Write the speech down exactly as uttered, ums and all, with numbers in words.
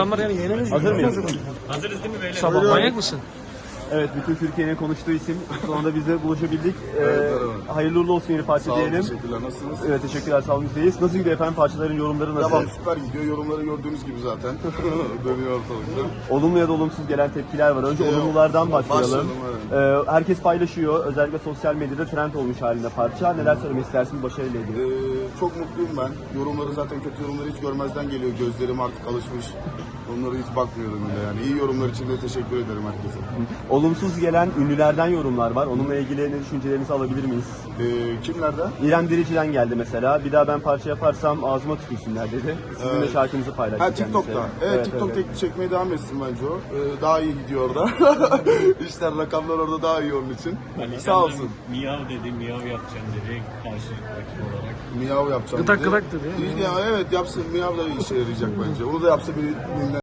Hazır mıyız? Hazırız değil mi beyler? Sabah manyak mısın? Evet, bütün Türkiye'nin konuştuğu isim. Sonunda biz de buluşabildik. Ee, Evet, merhaba. hayırlı uğurlu olsun yeni parça Sağ olun, diyelim. teşekkürler. Nasılsınız? Evet, teşekkürler, sağ olun, bizdeyiz. Nasıl gidiyor efendim, parçaların yorumları nasıl? Devam süper gidiyor. Yorumları gördüğünüz gibi zaten. Dönüyor ortalıkta. Olumlu ya da olumsuz gelen tepkiler var. Önce Ee, olumlulardan başlayalım. başlayalım, Ee, herkes paylaşıyor. Özellikle sosyal medyada trend olmuş halinde parça. Neler söylemek istersiniz başarıyla ilgili? Ee, çok mutluyum ben. Yorumları zaten kötü yorumları hiç görmezden geliyor. Gözlerim artık alışmış. Onlara hiç bakmıyorum bile yani. İyi yorumlar için de teşekkür ederim herkese. Olumsuz gelen ünlülerden yorumlar var. Onunla ilgili ne düşüncelerinizi alabilir miyiz? Ee, kimlerden? İrem Derici'den geldi mesela. Bir daha ben parça yaparsam ağzıma tükürsünler dedi. Sizin de Evet. şarkınızı paylaştı Ha TikTok'ta. kendisi. Evet, TikTok tek çekmeye devam etsin bence o. Ee, daha iyi gidiyor orada. İşler, rakamlar orada daha iyi onun için. Sağ olsun. Miyav dedi, miyav yapacağım dedi karşı rakip olarak. Miyav yapacağım. Gıdak dedi. gıdak dedi ya. Ya, evet yapsın. Miyav da işe yarayacak bence. Onu da yapsa bir